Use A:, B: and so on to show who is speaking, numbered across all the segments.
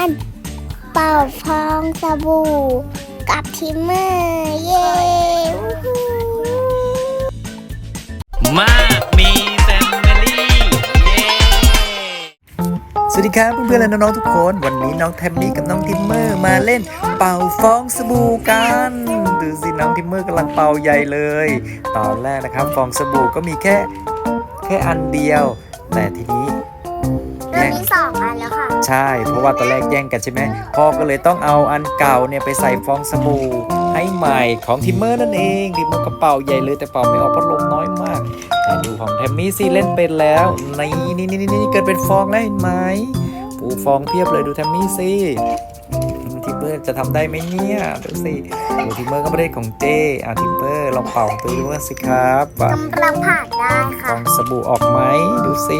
A: การเป่าฟองสบู่กับทิมเมอร์เย้
B: มากมีแฟมิลี่เย้สวัสดีครับเพื่อนๆและน้องๆทุกคนวันนี้น้องแทมมี่กับน้องทิมเมอร์มาเล่นเป่าฟองสบู่กันดูสิน้องทิมเมอร์กำลังเป่าใหญ่เลยตอนแรกนะครับฟองสบู่ก็มีแค่อันเดียวแต่ทีนี้
A: ตอนนี้2 อันแล้วค่ะ
B: ใช่เพราะว่าตอนแรกแย่งกันใช่ไหมพ่อก็เลยต้องเอาอันเก่าเนี่ยไปใส่ฟองสบู่ให้ใหม่ของทิมเมอร์นั่นเองทิมเมอร์ก็เป่าใหญ่เลยแต่เป่าไม่ออกเพราะลมน้อยมากแต่ดูของแทมมี่สิเล่นเป็นแล้วนี่เกิดเป็นฟองแล้วเห็นไหมปูฟองเพียบเลยดูแทมมี่สิทิมเมอร์จะทำได้ไหมเนี่ยดูสิดูทิมเมอร์ก็ไม่ได้ของเจทิมเมอร์ลองเป่าตัวดูสิครับว่าก
A: ำลังผ่านได้ค่ะ
B: ฟองสบู่ออกไหมดูสิ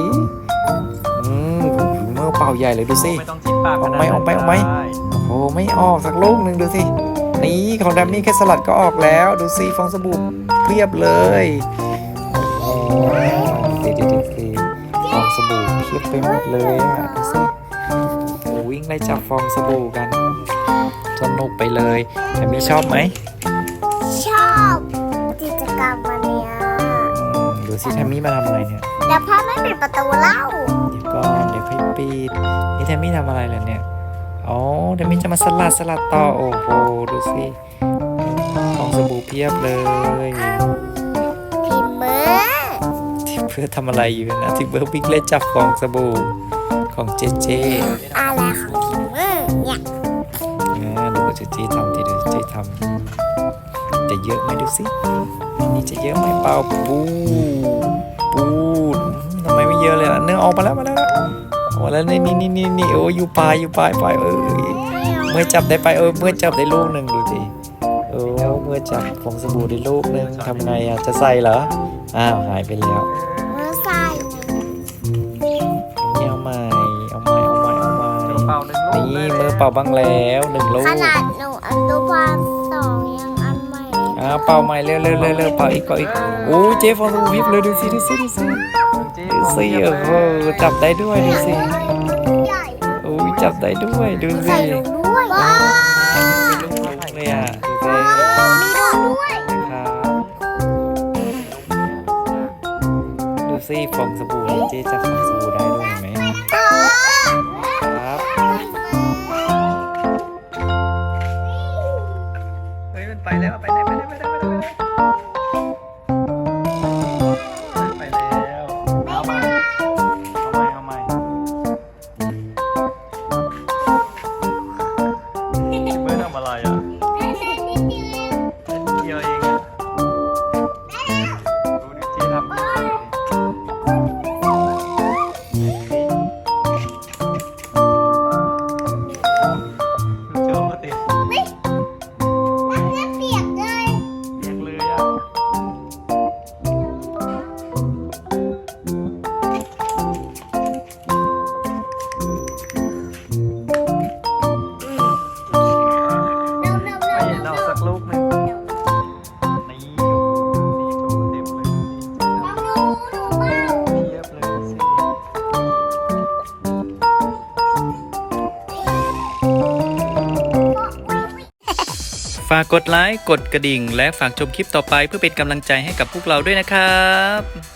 B: ทิมเมอร์เป่าใหญ่เลยดูสิออกไหมโอ้ไม่ออกสักลูกหนึ่งดูสินี่ของแทมมี่แค่สลัดก็ออกแล้วดูสิฟองสบู่เพียบเลยโอ้ดีฟองสบู่เพียบไปหมดเลยดูสิวิ่งไล่จับฟองสบู่กันสนุกไปเลยแทมมี่ชอบไหม
A: ชอบกิจกรรมวันนี้
B: ดูสิแทมมี่มาทำอะไรเนี่ย
A: เดี๋ยวพ่อไม่ปิดประตูเล่า
B: เดี๋ยวก่อนเดี๋ยวค่อยปิดนี่แทมมี่ทำอะไรเลยเนี่ยอ๋อแทมมี่จะมาสลัดต่อโอ้โหดูสิฟองสบู่เพียบเลย
A: ทิมเมอร์
B: เพื่อทำอะไรอยู่นะทิมเบอร์บิ๊กเล่นจับฟองสบู่ของเจ
A: อะไรของทิมเมอร์เนี่ย
B: ดูเจทำทีเดียวเจทำจะเยอะไหมดูสินี่จะเยอะไหมเปล่าปูทำไมไม่เยอะเลยล่ะเนื้อออกมาแล้วนี่โอ้อยู่ปลายเมื่อจับได้ไปเมื่อจับได้ลูกหนึ่งดูสิเมื่อจับฟองสบู่ได้ลูกหนึ่งทำไงจะใส่เหรออ้าวหายไปแล้ว
A: เมื่อใส่
B: เอาใหม่นี่เมื่อเป่าบ้างแล้ว1 ลูก
A: ขนาดหนูอนุบาล2ยังอันใหม่
B: เป่าใหม่เร็วเป่าอีกโอ้เจฟองสบู่พิบเลยดูสิจับได้ด้วยดูสิโอ้จับได้ด้วยดูสิ
A: ใส่ลูกด้วยว้าว
B: เลยอ่ะ
A: มีลูกด้วย
B: ดูสิฟองสบู่เจจับฟองสบู่ได้ด้วยเห็นไหมครับเฮ้ยมันไปแล้วไปแล้วเอาใหม่ไม่ทำอะไรอ่ะเดียวเองอ่ะดูดิเจ๊ทำลูกหนึ่งนี่อยู่เต็มเลยเทียบเลยสิฝากกดไลค์กดกระดิ่งและฝากชมคลิปต่อไปเพื่อเป็นกำลังใจให้กับพวกเราด้วยนะครับ